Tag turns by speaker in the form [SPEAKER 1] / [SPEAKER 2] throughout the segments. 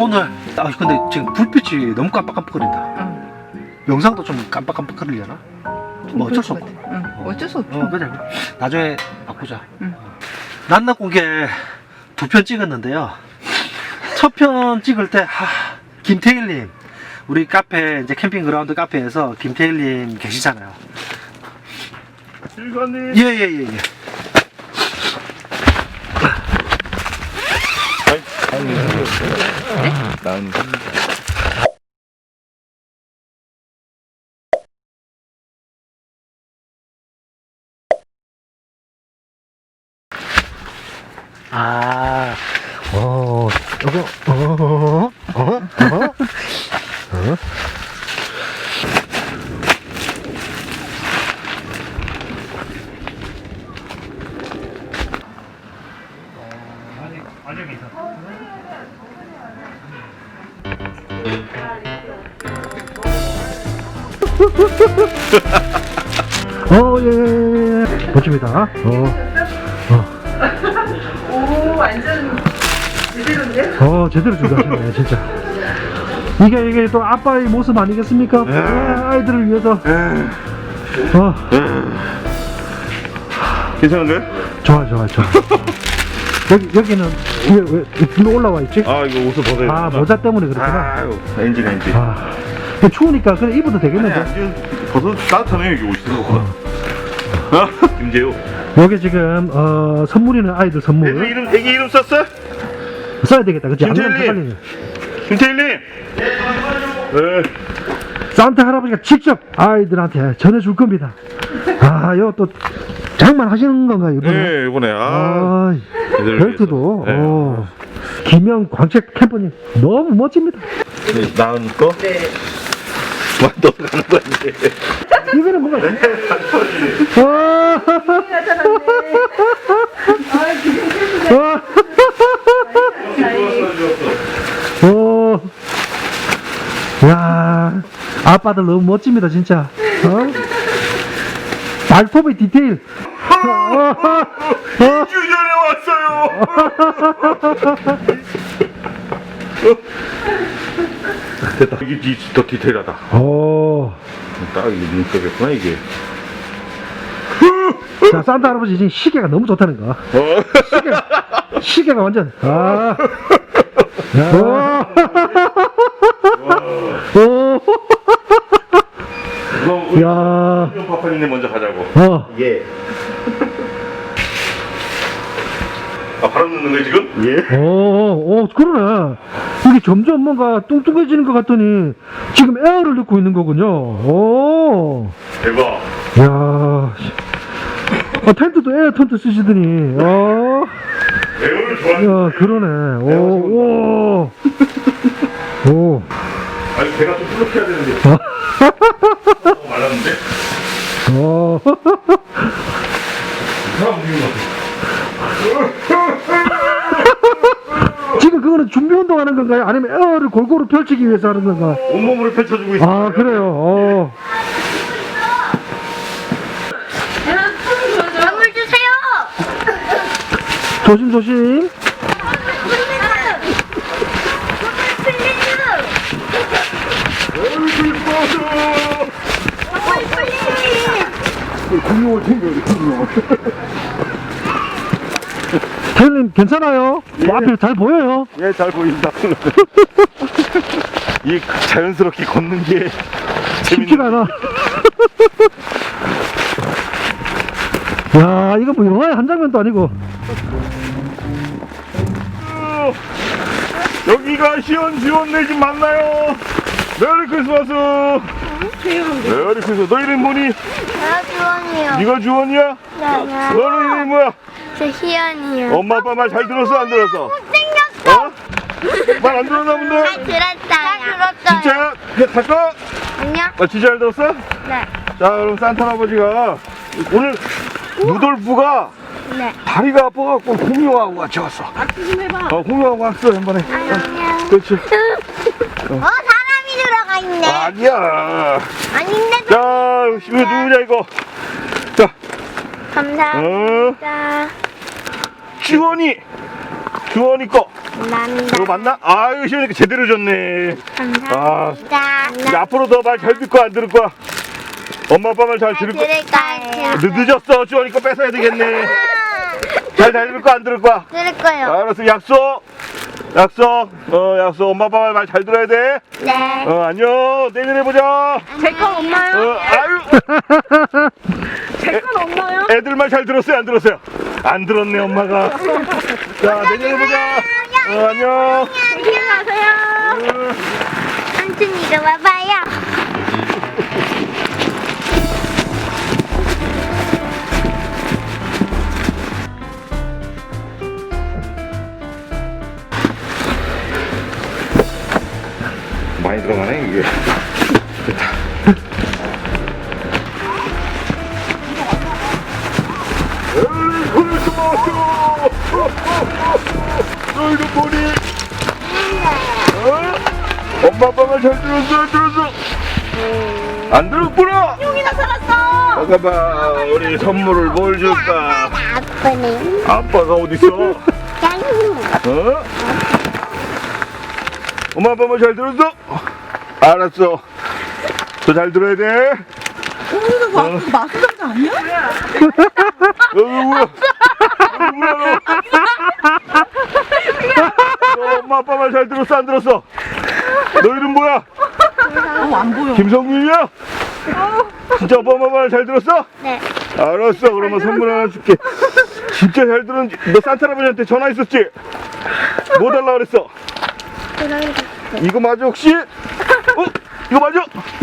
[SPEAKER 1] 오늘 근데 지금 불빛이 너무 깜빡깜빡거린다.
[SPEAKER 2] 응.
[SPEAKER 1] 영상도 좀 깜빡깜빡거리려나? 뭐 어쩔 수 없고.
[SPEAKER 2] 응. 어쩔 수 없죠.
[SPEAKER 1] 그래. 나중에 바꾸자.
[SPEAKER 2] 응.
[SPEAKER 1] 낮낮 공개 2편 찍었는데요. 첫 편 찍을 때 김태일님, 우리 카페 이제 캠핑 그라운드 카페에서 김태일님 계시잖아요.
[SPEAKER 3] 일관님.
[SPEAKER 1] 예예예.
[SPEAKER 3] 난
[SPEAKER 1] 예. 멋집니다.
[SPEAKER 2] 오, 완전 제대로인데?
[SPEAKER 1] 제대로 준비하셨네, 진짜. 이게 또 아빠의 모습 아니겠습니까? 아이들을 위해서.
[SPEAKER 3] 괜찮은데?
[SPEAKER 1] 좋아. 여기는 왜 일로 올라와 있지?
[SPEAKER 3] 아 이거 옷을 벗어야 돼.
[SPEAKER 1] 모자 때문에 그렇구나.
[SPEAKER 3] 아유 엔진.
[SPEAKER 1] 추우니까 그래 입어도 되겠는데?
[SPEAKER 3] 벗어 따뜻하네 여기 옷이 생각보다. 김재우.
[SPEAKER 1] 여기 지금 선물이는 아이들 선물.
[SPEAKER 3] 애기 이름 썼어?
[SPEAKER 1] 써야 되겠다, 그치? 안 그러면
[SPEAKER 3] 김태일님.
[SPEAKER 1] 헷갈리네.
[SPEAKER 3] 김태일님. 네.
[SPEAKER 1] 산타 할아버지가 직접 아이들한테 전해줄 겁니다. 이거 또 장만하시는 건가요, 이번에?
[SPEAKER 3] 네 이번에
[SPEAKER 1] 벨트도.
[SPEAKER 3] 네.
[SPEAKER 1] 김영 광책 캠퍼님 너무 멋집니다.
[SPEAKER 3] 나은 거?
[SPEAKER 2] 네.
[SPEAKER 3] 너 가는 거 아니지?
[SPEAKER 1] 이거는 뭔가. 야, 아빠들 너무 멋집니다, 진짜. 발톱의 디테일.
[SPEAKER 3] 2주 전에 왔어요. 됐다. 이게 더 디테일하다. 딱 이게 눈썹이었구나 이게.
[SPEAKER 1] 자, 산타 할아버지 지금 시계가 너무 좋다는 거. 시계가 완전.
[SPEAKER 3] 그럼 우리
[SPEAKER 1] 야.
[SPEAKER 3] 파파님 먼저 가자고.
[SPEAKER 1] 예.
[SPEAKER 3] 바람 넣는 거야 지금? 예.
[SPEAKER 1] 그러네. 이게 점점 뭔가 뚱뚱해지는 것 같더니 지금 에어를 넣고 있는 거군요.
[SPEAKER 3] 대박.
[SPEAKER 1] 야. 텐트도 에어 텐트 쓰시더니.
[SPEAKER 3] 에어를 좋아하는.
[SPEAKER 1] 야, 그러네.
[SPEAKER 3] 아니 배가 좀 풀룩해야 되는데. 말랐는데? 사람 움직이는 것 같아.
[SPEAKER 1] 지금 그거는 준비 운동하는 건가요? 아니면 에어를 골고루 펼치기 위해서 하는 건가?
[SPEAKER 3] 온몸으로 펼쳐주고 있어.
[SPEAKER 1] 그래요.
[SPEAKER 4] 선물 주세요.
[SPEAKER 1] 조심.
[SPEAKER 3] 공룡을 챙겨야 공룡.
[SPEAKER 1] 태일님 괜찮아요? 앞에 잘 보여요?
[SPEAKER 3] 예, 잘 보인다. 이 자연스럽게 걷는 게
[SPEAKER 1] 쉽지가 않아. 야, 이거 뭐 영화의 한 장면도 아니고.
[SPEAKER 3] 여기가 시원시원 내 집 맞나요? 메리 크리스마스. 메리 크리스마스. 너 이름 뭐니?
[SPEAKER 4] 나 주원이요.
[SPEAKER 3] 네가 주원이야?
[SPEAKER 4] 네.
[SPEAKER 3] 너는 이름이 뭐야?
[SPEAKER 4] 저 희연이요.
[SPEAKER 3] 엄마 아빠 말 잘 들었어 안 들었어?
[SPEAKER 4] 못생겼어.
[SPEAKER 3] 말 안 들었나 본데?
[SPEAKER 4] 잘 들었어요.
[SPEAKER 3] 진짜야? 그래 갈까?
[SPEAKER 4] 안녕.
[SPEAKER 3] 진짜 잘 들었어?
[SPEAKER 4] 네.
[SPEAKER 3] 자 그럼 산타 할아버지가 오늘 루돌프가
[SPEAKER 4] 네.
[SPEAKER 3] 다리가 아파갖고 공룡하고 같이 왔어.
[SPEAKER 2] 좀 해봐.
[SPEAKER 3] 공룡하고 왔어 한 번에.
[SPEAKER 4] 안녕.
[SPEAKER 3] 그렇지.
[SPEAKER 4] 사람이 들어가 있네.
[SPEAKER 3] 아니야.
[SPEAKER 4] 아닌데.
[SPEAKER 3] 자 이거 누구냐 이거. 자
[SPEAKER 4] 감사합니다.
[SPEAKER 3] 주원이 거
[SPEAKER 4] 감사합니다.
[SPEAKER 3] 이거 맞나? 아유 시원하니까 제대로 줬네.
[SPEAKER 4] 감사합니다.
[SPEAKER 3] 이제 앞으로 더 말 잘 듣고 안 들을 거야? 엄마 아빠 말 잘 들을 거야?
[SPEAKER 4] 들을까요?
[SPEAKER 3] 늦어졌어. 주원이거 뺏어야 되겠네. 잘 들을 거야 안 들을 거야?
[SPEAKER 4] 들을 거요.
[SPEAKER 3] 알았어. 약속. 약속. 약속. 엄마 아빠 말 잘 들어야 돼.
[SPEAKER 4] 네.
[SPEAKER 3] 안녕. 내년에 보자.
[SPEAKER 2] 제 건 없나요?
[SPEAKER 3] 아유.
[SPEAKER 2] 제 건 없나요?
[SPEAKER 3] 애들 말 잘 들었어요 안 들었어요? 안 들었네 엄마가. 자 내년에 보자. 안녕.
[SPEAKER 4] 안녕히 가세요. 삼촌 이리 와봐요.
[SPEAKER 3] 많이 들어가네 이게. 너희도 보니? 엄마 아빠가 잘 들었어 안 들었어? 안 들었구나.
[SPEAKER 2] 용이나 살았어.
[SPEAKER 3] 잠깐만 우리 선물을 뭘 줄까?
[SPEAKER 4] 아빠는
[SPEAKER 3] 아빠가 어딨어?
[SPEAKER 4] 짱.
[SPEAKER 3] 엄마 아빠 말 잘 들었어? 알았어. 더 잘 들어야 돼.
[SPEAKER 2] 마술사 아니야?
[SPEAKER 3] 뭐야? 뭐야? 너 엄마 아빠 말 잘 들었어 안 들었어? 너 이름 뭐야?
[SPEAKER 2] 안 보여.
[SPEAKER 3] 김성민이야? 진짜 엄마 말 잘 들었어?
[SPEAKER 4] 네.
[SPEAKER 3] 알았어. 그러면 선물 하나 줄게. 진짜 잘 들었는지. 너 산타 할아버지한테 전화했었지? 뭐 달라 그랬어? 이거 맞아 혹시? 이거 맞아?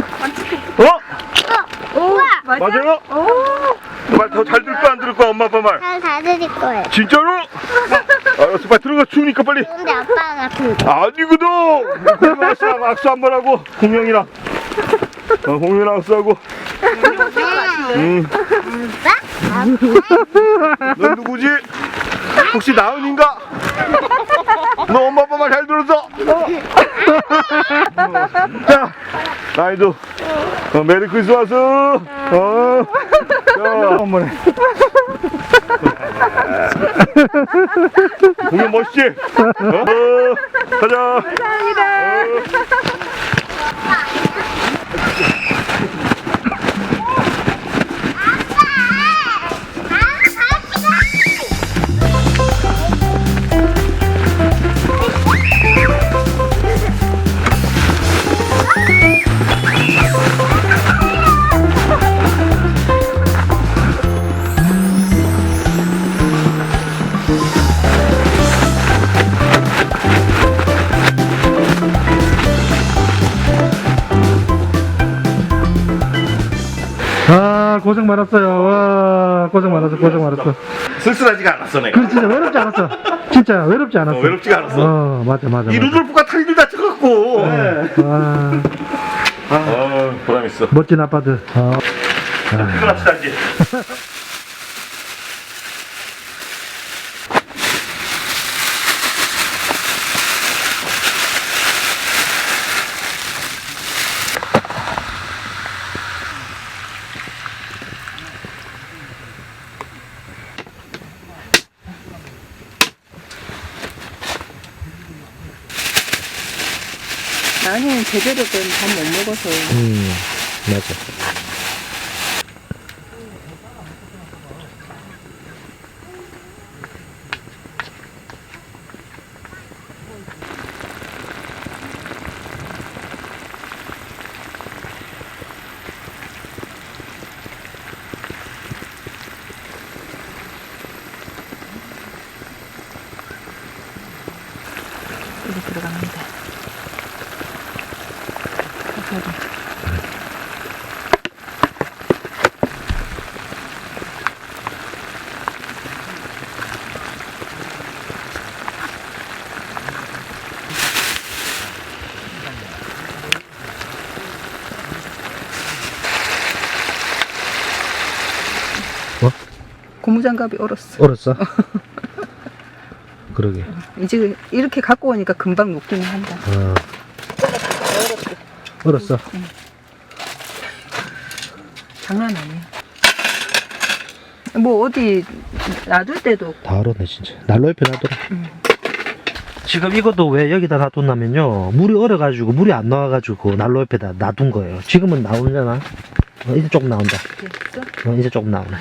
[SPEAKER 4] 우와.
[SPEAKER 3] 맞아요? 말 더 잘 들을 거야 안 들을 거야 엄마 아빠 말?
[SPEAKER 4] 다 들을 거예요.
[SPEAKER 3] 진짜로? 알았어 빨리 들어가 추우니까 빨리.
[SPEAKER 4] 근데 아빠가 그
[SPEAKER 3] 아니거든. 공룡이랑 악수 한번 하고 공룡이랑 공룡이랑 악수하고. 넌 누구지? 혹시 나은인가? 너 엄마 아빠 말 잘 들었어? 자 나이도 메리 크리스마스. 자 한번 해. 공룡 멋있지? 가자.
[SPEAKER 1] 아 고생 많았어요. 와 고생 많았어 고생 많았어.
[SPEAKER 3] 쓸쓸하지가 않았어 내가.
[SPEAKER 1] 그 진짜 외롭지 않았어. 진짜 외롭지 않았어.
[SPEAKER 3] 외롭지가 않았어.
[SPEAKER 1] 맞아 맞아.
[SPEAKER 3] 이
[SPEAKER 1] 맞아.
[SPEAKER 3] 루돌프가 탈줄 다쳐갖고.
[SPEAKER 1] 와
[SPEAKER 3] 보람 있어.
[SPEAKER 1] 멋진 아빠들.
[SPEAKER 3] 피곤합시다 이제.
[SPEAKER 2] 나는 제대로 된 밥 못 먹어서.
[SPEAKER 1] 맞아.
[SPEAKER 2] 여기 들어갑니다. 고무장갑이 얼었어.
[SPEAKER 1] 얼었어? 그러게.
[SPEAKER 2] 이제 이렇게 갖고 오니까 금방 녹기는 한다.
[SPEAKER 1] 얼었어.
[SPEAKER 2] 장난 아니야. 뭐 어디 놔둘 때도
[SPEAKER 1] 다 얼었네 진짜. 난로 옆에 놔둬라. 지금 이것도 왜 여기다 놔뒀냐면요. 물이 얼어가지고 물이 안 나와가지고 난로 옆에다 놔둔 거예요. 지금은 나오잖아. 이제 조금 나온다.
[SPEAKER 2] 됐어?
[SPEAKER 1] 이제 조금 나오네.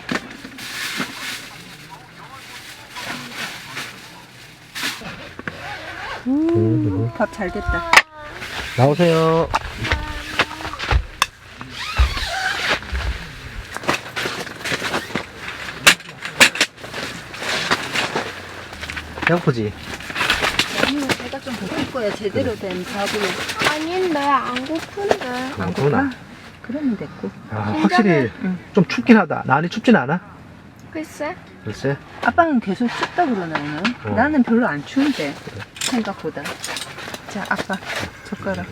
[SPEAKER 2] 밥 잘 됐다.
[SPEAKER 1] 나오세요. 배고프지?
[SPEAKER 2] 아니, 배가 좀 고플 거야. 제대로 된 밥으로.
[SPEAKER 4] 아닌데 안 고픈데.
[SPEAKER 2] 안
[SPEAKER 1] 그러나.
[SPEAKER 2] 고파? 그러면 됐고.
[SPEAKER 1] 아, 확실히 좀 춥긴 하다. 나안이 춥진 않아?
[SPEAKER 4] 글쎄.
[SPEAKER 1] 글쎄.
[SPEAKER 2] 아빠는 계속 춥다 그러나 오늘? 나는 별로 안 추운데 생각보다. 자, 아빠 젓가락.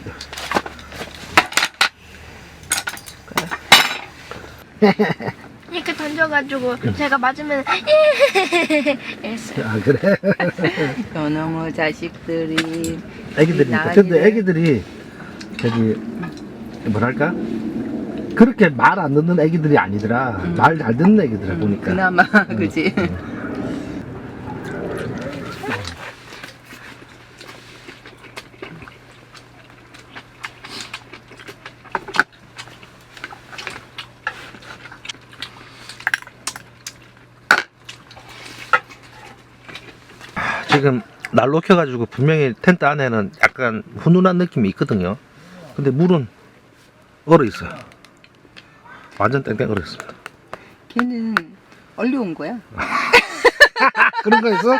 [SPEAKER 4] 이렇게 던져가지고 제가 맞으면 이랬어요.
[SPEAKER 1] 아, 그래?
[SPEAKER 2] 연어머 자식들이.
[SPEAKER 1] 애기들이.
[SPEAKER 2] 나은이네.
[SPEAKER 1] 근데 애기들이, 저기, 뭐랄까? 그렇게 말 안 듣는 애기들이 아니더라. 말 잘 듣는 애기들아, 보니까.
[SPEAKER 2] 그나마 그지.
[SPEAKER 1] 지금 난로 켜가지고 분명히 텐트 안에는 약간 훈훈한 느낌이 있거든요. 근데 물은 얼어 있어요. 완전 땡땡 얼어 있습니다.
[SPEAKER 2] 걔는 얼려온 거야.
[SPEAKER 1] 그런 거 있어?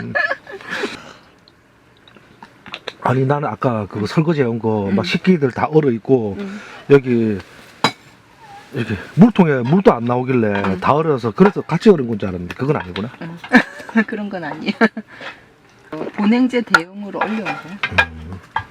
[SPEAKER 1] 아니 나는 아까 그거 설거지 해온 거 막 식기들 다 얼어 있고 여기 이렇게 물통에 물도 안 나오길래 다 얼어서 그래서 같이 얼은 건 줄 알았는데 그건 아니구나.
[SPEAKER 2] 그런 건 아니야. 보냉제 대용으로 얼려온 거야.